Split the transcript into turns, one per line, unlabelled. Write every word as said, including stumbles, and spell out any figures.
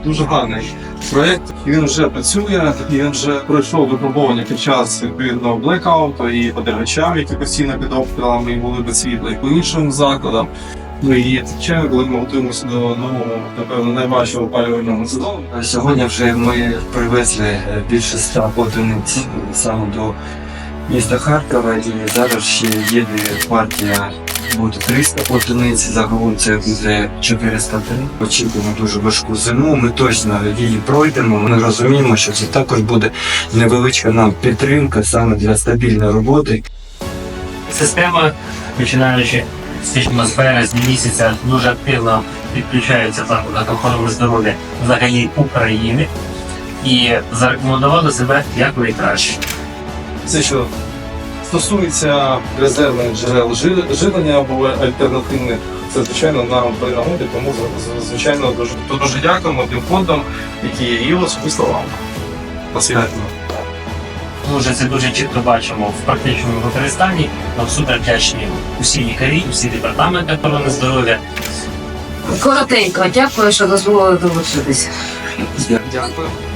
дуже гарний проєкт. Він вже працює, він вже пройшов випробування під час відповідного блекауту і по дергачам, які постійно під обстрілами і були без світла, і по іншим закладам. Ну і звичайно, коли ми готуємося до нового, напевно, найважчого опалювального сезону.
Сьогодні вже ми привезли більше ста одиниць саме до міста Харкова, і зараз ще їде партія, буде триста одиниць, загалом це буде чотириста три. Очікуємо дуже важку зиму, ми точно її пройдемо, ми розуміємо, що це також буде невеличка нам підтримка саме для стабільної роботи.
Система, починаючи з атмосфери, з місяця, дуже активно підключаються заклади охорони здоров'я взагалі України і зарекомендували себе як найкраще.
Все, що стосується резервних джерел жи- живлення або альтернативних, це, звичайно, нам при нагоді, тому, з- звичайно, дуже, то дуже дякуємо тим фондам, які є, і особисто вам. Посвятно.
Ми вже це дуже чітко бачимо в практичному використанні. Нам супер вдячні усі лікарі, усі департаменти охорони здоров'я.
Коротенько, дякую, що дозволили долучитися.
Дякую.